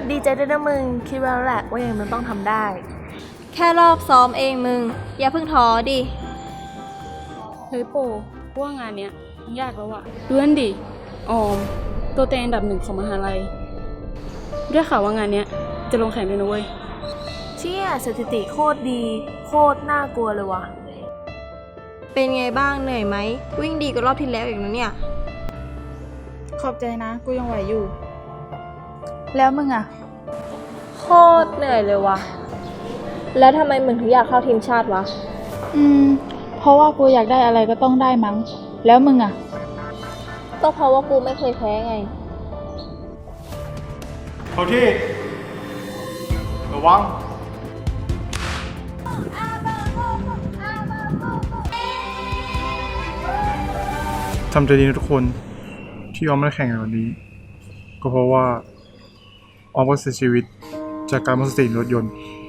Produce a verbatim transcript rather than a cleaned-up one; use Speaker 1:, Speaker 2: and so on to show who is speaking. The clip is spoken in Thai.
Speaker 1: ดีใจด้วยนะมึงคิดว่าแล้วแหละว่ายังมึงต้องทำได้
Speaker 2: แค่รอบซ้อมเองมึง อย่าเพิ่งท้อดิ
Speaker 3: เฮ้ยโปว่างานเนี้ยยากแล้วอะดูนั่นดิออมตัวเต็งอันดับหนึ่งของมหาลัยได้ข่าวว่างานเนี้ยจะลงแข่งด้วยนะเว้ย
Speaker 1: เชี่ยสถิติโคตรดีโคตรน่ากลัวเลยวะ
Speaker 2: เป็นไงบ้างเหนื่อยไหม วิ่งดีกว่ารอบที่แล้วอีกนะเนี่ย
Speaker 4: ขอบใจนะ กูยังไหวอยู่ แล้วมึงอ่ะ
Speaker 2: โคตรเหนื่อยเลยวะแล้วทำไมมึงถึงอยากเข้าทีมชาติวะ
Speaker 4: อืม เพราะว่ากูอยากได้อะไรก็ต้องได้มั้ง แล้วมึงอ่ะ
Speaker 2: ก็เพราะว่ากูไม่เคยแพ้ไง
Speaker 5: เข้าที่ ระวัง ทำใจดีนะทุกคนที่ออมไม่ได้แข่งในวันนี้ ก็เพราะว่าออมก็เสียชีวิตจากการหมดสติรถยนต์